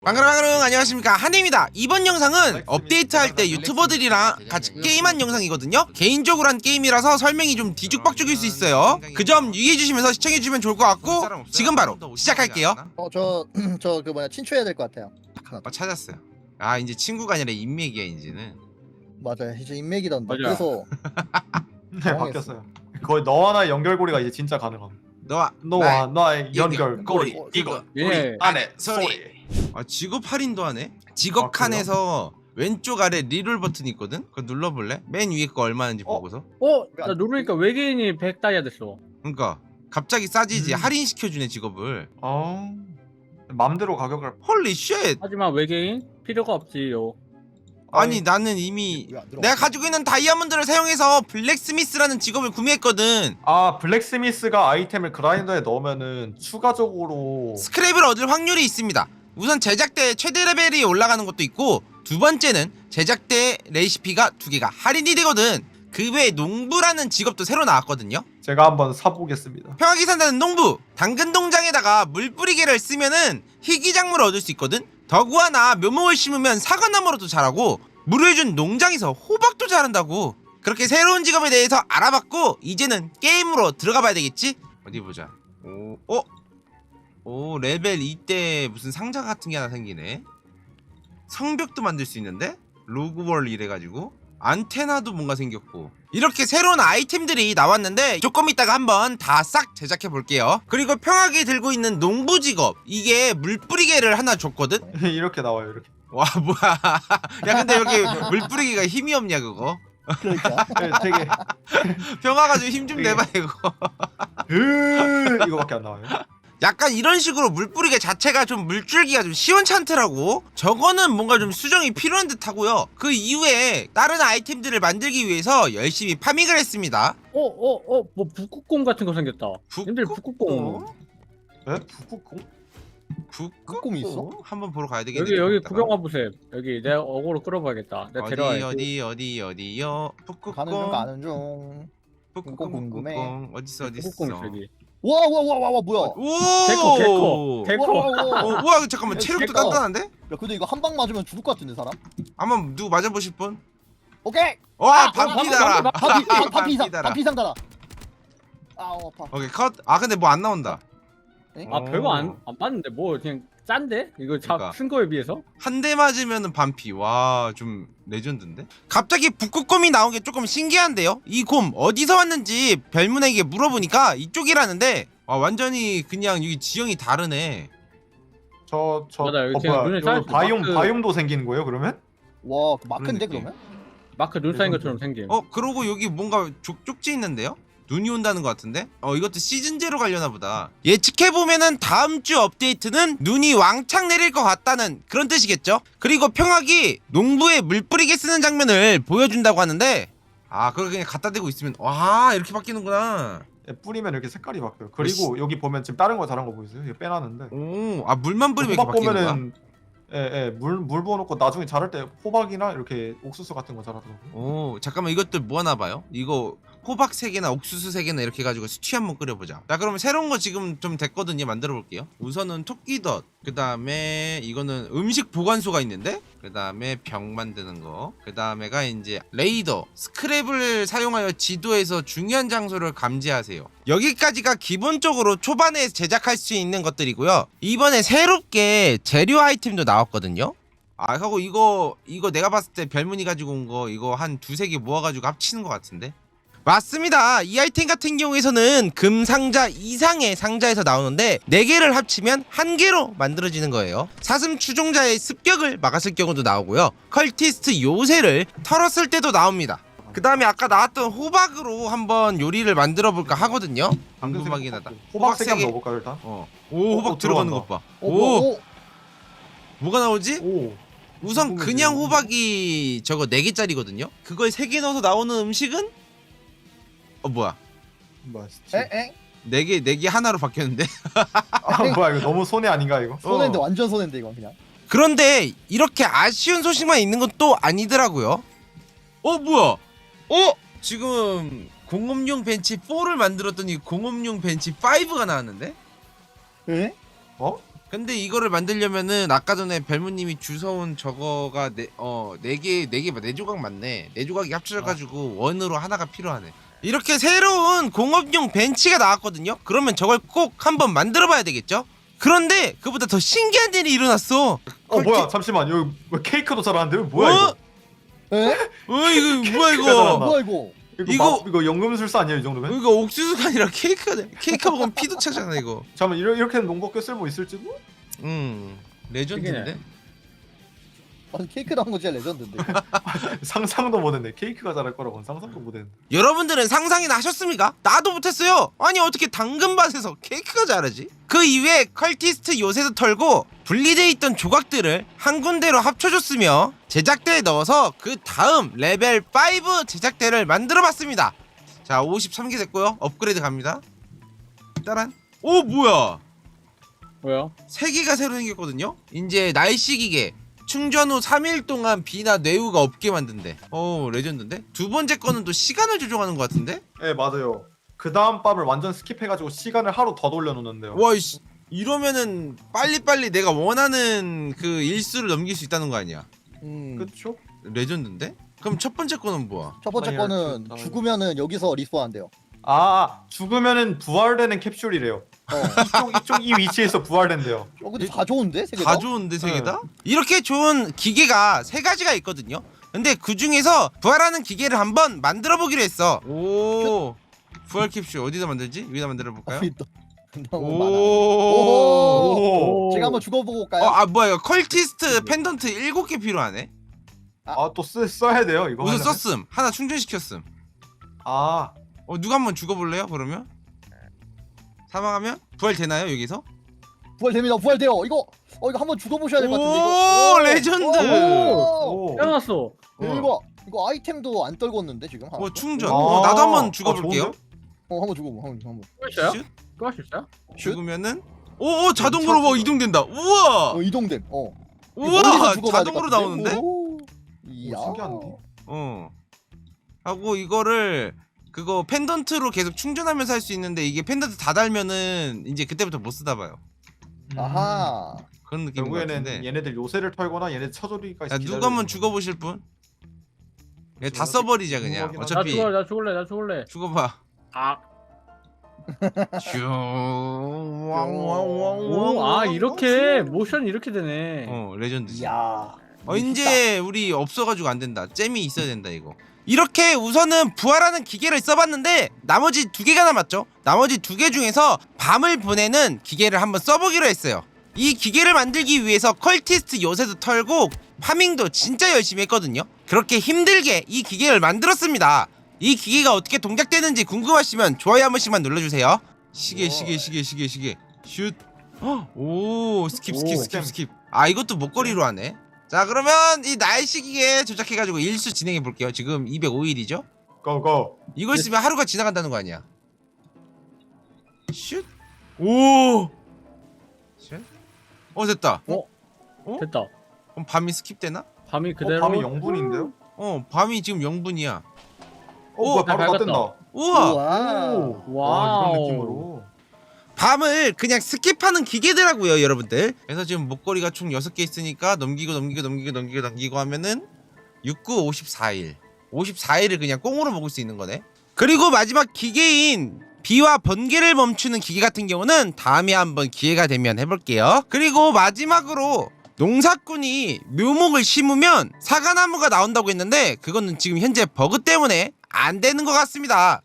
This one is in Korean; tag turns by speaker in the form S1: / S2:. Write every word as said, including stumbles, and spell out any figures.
S1: 방그랑방그랑 안녕하십니까, 한혜입니다. 이번 영상은 업데이트할 때 유튜버들이랑 같이 게임한 영상이거든요. 개인적으로 한 게임이라서 설명이 좀 뒤죽박죽일 수 있어요. 그 점 유의해주시면서 시청해주시면 좋을 것 같고, 지금 바로 시작할게요.
S2: 어 저 저 그 뭐냐 친추해야 될 것 같아요.
S1: 어, 찾았어요. 아, 이제 친구가 아니라 인맥이야 이제는.
S2: 맞아요. 이제 인맥이던데.
S3: 맞아요.
S2: 그래서
S4: 네, 바뀌었어요. 거의 너와 나의 연결고리가 이제 진짜 가능함.
S1: 너와
S4: 너와
S1: 나의
S4: 나의 연결고리.
S1: 연결고리.
S4: 이거
S3: 예.
S4: 우리 안에 소리.
S1: 아, 직업 할인도 하네? 직업
S4: 아, 그래요?
S1: 칸에서 왼쪽 아래 리롤 버튼이 있거든? 그거 눌러볼래? 맨 위에 거 얼마인지
S4: 어?
S1: 보고서.
S3: 어? 나 누르니까 외계인이 백 다이아 됐어.
S1: 그러니까 갑자기 싸지지.
S4: 음.
S1: 할인시켜주네 직업을.
S4: 어. 맘대로 가격을.
S1: 헐리 쉣.
S3: 하지만 외계인 필요가 없지요.
S1: 아니,
S4: 아니,
S1: 나는 이미
S2: 왜안 들어가?
S1: 내가 가지고 있는 다이아몬드를 사용해서 블랙스미스라는 직업을 구매했거든.
S4: 아 블랙스미스가 아이템을 그라인더에 넣으면은 추가적으로
S1: 스크랩을 얻을 확률이 있습니다. 우선 제작대 최대 레벨이 올라가는 것도 있고, 두 번째는 제작대 레시피가 두 개가 할인이 되거든. 그 외에 농부라는 직업도 새로 나왔거든요.
S4: 제가 한번 사보겠습니다.
S1: 평화기 산다는 농부, 당근 동장에다가 물 뿌리개를 쓰면은 희귀작물을 얻을 수 있거든. 덕우하나 묘목을 심으면 사과나무로도 자라고, 물을 준 농장에서 호박도 자란다고. 그렇게 새로운 직업에 대해서 알아봤고, 이제는 게임으로 들어가 봐야 되겠지? 어디 보자. 오, 어? 오, 레벨 이 때 무슨 상자 같은 게 하나 생기네. 성벽도 만들 수 있는데? 로그월 이래가지고 안테나도 뭔가 생겼고, 이렇게 새로운 아이템들이 나왔는데 조금 이따가 한번 다 싹 제작해 볼게요. 그리고 평하게 들고 있는 농부 직업, 이게 물뿌리개를 하나 줬거든?
S4: 이렇게 나와요 이렇게.
S1: 와, 뭐야. 야, 근데 여기 물뿌리개가 힘이 없냐 그거?
S2: 그러니까
S4: 네, 되게
S1: 평화가 좀 힘 좀 내봐 이거.
S4: 으 이거밖에 안 나와요.
S1: 약간 이런 식으로 물뿌리개 자체가 좀 물줄기가 좀 시원찮더라고. 저거는 뭔가 좀 수정이 필요한 듯 하고요. 그 이후에 다른 아이템들을 만들기 위해서 열심히 파밍을 했습니다.
S3: 어? 어? 어? 뭐 북극곰 같은 거 생겼다. 님들 북극곰.
S4: 네? 북극곰?
S1: 북극곰이
S2: 있어?
S1: 한번 보러 가야 되겠네.
S3: 여기 여기
S1: 이따가.
S3: 구경 와보세요. 여기 내가 어그로 끌어봐야겠다. 내가
S1: 어디
S3: 데려와야지.
S1: 어디 어디 어디요?
S2: 가는 중
S1: 북극곰.
S2: 가는 중.
S1: 북극곰
S2: 궁금해.
S1: 북극곰 어딨어 어딨어.
S3: 북극곰 저기.
S2: 와 와 와 와 와 뭐야?
S1: 오.
S3: 개코 개코 개코.
S2: 와, 와, 와.
S1: 어, 우와, 잠깐만, 체력도
S2: 개코.
S1: 단단한데?
S2: 야 근데 이거 한 방 맞으면 죽을 것 같은데 사람?
S1: 한번 누구 맞아보실 분?
S2: 오케이.
S1: 와,
S3: 아,
S1: 반피다라.
S2: 반피 반피 이상
S1: 반피다라.
S2: 반피 이상 달아. 아우 아파.
S1: 오케이, 컷. 아, 근데 뭐 안 나온다.
S3: 아 별거 안, 안 봤는데 뭐 그냥 짠데? 이거
S1: 그러니까.
S3: 잡쓴 거에 비해서?
S1: 한 대 맞으면은 반피. 와, 좀 레전드인데? 갑자기 북극곰이 나온 게 조금 신기한데요? 이 곰 어디서 왔는지 별문에게 물어보니까 이쪽이라는데, 와, 완전히 그냥 여기 지형이 다르네.
S4: 저저
S3: 맞아, 여기
S4: 어,
S3: 지금
S4: 뭐야?
S3: 눈에
S4: 여기
S3: 쌓여있어.
S4: 바이옴
S3: 마크.
S4: 바이옴도 생기는 거예요 그러면?
S2: 와 그 마크인데
S1: 그런 느낌.
S2: 그러면?
S3: 마크 눈 쌓인 것처럼 생김.
S1: 어, 그러고 여기 뭔가 쪽, 쪽지 있는데요? 눈이 온다는 것 같은데? 어, 이것도 시즌제로 가려나 보다. 예측해보면은 다음 주 업데이트는 눈이 왕창 내릴 것 같다는 그런 뜻이겠죠? 그리고 평학이 농부에 물 뿌리게 쓰는 장면을 보여준다고 하는데, 아, 그걸 그냥 갖다 대고 있으면, 와, 이렇게 바뀌는구나.
S4: 예, 뿌리면 이렇게 색깔이 바뀌어요. 그리고 여기 보면 지금 다른 거 자란 거 보이세요? 이거 빼놨는데.
S1: 오, 아, 물만 뿌리면 이렇게
S4: 호박
S1: 바뀌는 거야?
S4: 보면은 예예물물 부어놓고 나중에 자랄 때 호박이나 이렇게 옥수수 같은 거 자라더라고요.
S1: 오, 잠깐만, 이것들 뭐 하나 봐요? 이거 호박 세 개나 옥수수 세 개나 이렇게 해가지고 스튜 한번 끓여보자. 자, 그러면 새로운 거 지금 좀 됐거든요. 만들어 볼게요. 우선은 토끼덫, 그 다음에 이거는 음식 보관소가 있는데, 그 다음에 병 만드는 거, 그 다음에가 이제 레이더, 스크랩을 사용하여 지도에서 중요한 장소를 감지하세요. 여기까지가 기본적으로 초반에 제작할 수 있는 것들이고요. 이번에 새롭게 재료 아이템도 나왔거든요. 아, 하고 이거 이거 내가 봤을 때 별문이 가지고 온 거 이거 한 두세 개 모아가지고 합치는 것 같은데? 맞습니다. 이 아이템 같은 경우에서는 금 상자 이상의 상자에서 나오는데 네 개를 합치면 한 개로 만들어지는 거예요. 사슴 추종자의 습격을 막았을 경우도 나오고요. 컬티스트 요새를 털었을 때도 나옵니다. 그 다음에 아까 나왔던 호박으로 한번 요리를 만들어 볼까 하거든요. 궁금하긴 하다.
S4: 호박 세 개
S1: 세 개.
S4: 한번 넣어볼까요 일단?
S1: 어. 오, 호박
S4: 어,
S1: 들어가는
S4: 들어간다.
S1: 것 봐.
S2: 오,
S1: 오,
S2: 오, 오.
S1: 뭐가 나오지?
S4: 오.
S1: 우선
S4: 궁금해지네.
S1: 그냥 호박이 저거 네 개짜리거든요? 그걸 세 개 넣어서 나오는 음식은? 어, 뭐야?
S4: 뭐야 스티.
S2: 에? 에?
S1: 네 개, 네 개 하나로 바뀌었는데?
S4: 아 뭐야 이거 너무 손해 아닌가 이거?
S2: 손해인데
S1: 어.
S2: 완전 손해인데 이건 그냥.
S1: 그런데 이렇게 아쉬운 소식만 있는 건 또 아니더라고요. 어, 뭐야? 어? 지금 공업용 벤치 사를 만들었더니 공업용 벤치 오가 나왔는데?
S2: 에?
S4: 어?
S1: 근데 이거를 만들려면은 아까 전에 벨무님이 주워온 저거가 네어네개네개네 조각 맞네. 네 조각이 합쳐져가지고 원으로 하나가 필요하네. 이렇게 새로운 공업용 벤치가 나왔거든요. 그러면 저걸 꼭 한번 만들어봐야 되겠죠? 그런데 그보다 더 신기한 일이 일어났어.
S4: 어 뭐야 잠시만 여기 왜 케이크도 잘하는데 왜 뭐야
S1: 어?
S4: 이거?
S2: 에?
S1: 어 이거 뭐야
S4: 케이크가
S1: 이거?
S4: 잘한다.
S2: 뭐야 이거?
S4: 이거
S1: 이거-
S4: 막- 이거 연금술사 아니에요 이 정도면?
S1: 이거 옥수수가 아니라 케이크가 돼. 케이크 먹으면 피도 차잖아 이거.
S4: 잠깐만 이렇게 이렇게는 농법계 쓸모 있을지도?
S1: 음 레전드인데.
S2: 아니 케이크 나온 거 진짜 레전드인데.
S4: 상상도 못했네. 케이크가 잘할 거라고는 상상도 못했네.
S1: 여러분들은 상상이나 하셨습니까? 나도 못했어요. 아니 어떻게 당근밭에서 케이크가 자라지? 그 이외에 컬티스트 요새도 털고 분리돼 있던 조각들을 한 군데로 합쳐줬으며 제작대에 넣어서 그 다음 레벨 오 제작대를 만들어봤습니다. 자 오십삼 개 됐고요. 업그레이드 갑니다. 따란. 오 뭐야?
S3: 뭐야?
S1: 세 개가 새로 생겼거든요. 이제 날씨 기계. 충전 후 삼 일 동안 비나 뇌우가 없게 만든대. 오 레전드인데? 두 번째 거는 또 시간을 조종하는 것 같은데?
S4: 네 맞아요. 그 다음 밤을 완전 스킵해가지고 시간을 하루 더 돌려놓는데요.
S1: 와 이씨 이러면은 빨리빨리 내가 원하는 그 일수를 넘길 수 있다는 거 아니야?
S2: 음.
S4: 그쵸?
S1: 레전드인데? 그럼 첫 번째 거는 뭐야?
S2: 첫 번째
S4: 플레이어
S2: 거는
S4: 큐,
S2: 죽으면은 여기서 리스폰한대요.
S4: 아 죽으면은 부활되는 캡슐이래요.
S2: 어.
S4: 이쪽 이쪽 이 위치에서 부활된대요.
S2: 어 근데 다 좋은데 세 개 다?
S1: 다 좋은데 세
S4: 네.
S1: 개다? 이렇게 좋은 기계가 세 가지가 있거든요. 근데 그 중에서 부활하는 기계를 한번 만들어 보기로 했어. 오 부활 캡슐 어디다 만들지? 여기다 만들어 볼까요?
S2: 아, 또 너무 많아.
S1: 오.
S4: 오.
S2: 제가 한번 죽어보고 올까요?
S1: 어, 아 뭐야 이거 컬티스트 펜던트 일곱 개 필요하네.
S4: 아또 써야 돼요 이거.
S1: 우선
S4: 하려면?
S1: 썼음. 하나 충전시켰음.
S4: 아
S1: 어 누가 한번 죽어볼래요? 그러면 사망하면 부활 되나요 여기서?
S2: 부활됩니다. 부활돼요. 이거 어 이거 한번 죽어보셔야 될 것 같은데.
S1: 오,
S2: 이거.
S1: 레전드.
S2: 오.
S4: 오.
S3: 깨어났어.
S1: 어.
S2: 이거 이거 아이템도 안 떨궜는데 지금. 하나도?
S1: 어 충전.
S4: 아.
S1: 어, 나도 한번
S4: 아,
S1: 죽어볼게요.
S4: 좋은데?
S2: 어 한번 죽어보. 한번 한번.
S3: 또 있어요?
S1: 슛.
S3: 또 할 수 있어요?
S2: 슛?
S1: 죽으면은 오오 자동으로 뭐 이동된다. 우와.
S2: 어 이동됨. 어. 이거
S1: 우와
S2: 멀리서 죽어봐야 될것
S1: 자동으로
S2: 같은데?
S1: 나오는데?
S2: 오. 이야.
S4: 오, 신기한데?
S1: 어. 하고 이거를 그거 펜던트로 계속 충전하면서 할 수 있는데 이게 펜던트 다 달면은 이제 그때부터 못 쓰다 봐요.
S2: 아하.
S1: 그런 느낌인 것
S4: 결국에는
S1: 같은데.
S4: 얘네들 요새를 털거나 얘네 처조리가
S1: 야 누가 한번 죽어보실 분? 얘 다
S4: 지금
S1: 써버리자 그냥.
S4: 궁금하긴
S3: 나
S1: 어차피
S3: 죽을래, 나 죽을래, 나 죽을래.
S1: 죽어봐.
S3: 아,
S1: 슈.
S3: 오, 아 이렇게 모션 이렇게 되네.
S1: 어 레전드지.
S2: 이야.
S1: 어 이제 우리 없어가지고 안 된다. 잼이 있어야 된다 이거. 이렇게 우선은 부활하는 기계를 써봤는데 나머지 두 개가 남았죠. 나머지 두 개 중에서 밤을 보내는 기계를 한번 써보기로 했어요. 이 기계를 만들기 위해서 컬티스트 요새도 털고 파밍도 진짜 열심히 했거든요. 그렇게 힘들게 이 기계를 만들었습니다. 이 기계가 어떻게 동작되는지 궁금하시면 좋아요 한 번씩만 눌러주세요. 시계 시계 시계 시계 시계 슛. 헉, 오 스킵 스킵
S3: 오.
S1: 스킵 스킵. 아 이것도 목걸이로 하네. 자 그러면 이 날씨 기계 조작해가지고 일수 진행해 볼게요. 지금 이백오 일이죠?
S4: 고고.
S1: 이걸 쓰면 하루가 지나간다는 거 아니야? 슛. 오. 슛. 어 됐다.
S3: 어?
S1: 어?
S3: 됐다.
S1: 그럼 밤이 스킵되나?
S3: 밤이
S4: 어,
S3: 그대로.
S4: 밤이 영분인데요?
S1: 어 밤이 지금 영 분이야.
S4: 어 뭐야
S3: 다
S4: 바로 다
S3: 밝았다.
S4: 뜬다.
S1: 우와.
S2: 우와.
S3: 오,
S4: 와
S3: 와우.
S4: 이런 느낌으로.
S1: 밤을 그냥 스킵하는 기계더라고요 여러분들. 그래서 지금 목걸이가 총 여섯 개 있으니까 넘기고 넘기고 넘기고 넘기고 넘기고 하면은 육구 오십사 일 오십사 일을 그냥 꽁으로 먹을 수 있는 거네. 그리고 마지막 기계인 비와 번개를 멈추는 기계 같은 경우는 다음에 한번 기회가 되면 해볼게요. 그리고 마지막으로 농사꾼이 묘목을 심으면 사과나무가 나온다고 했는데 그거는 지금 현재 버그 때문에 안 되는 것 같습니다.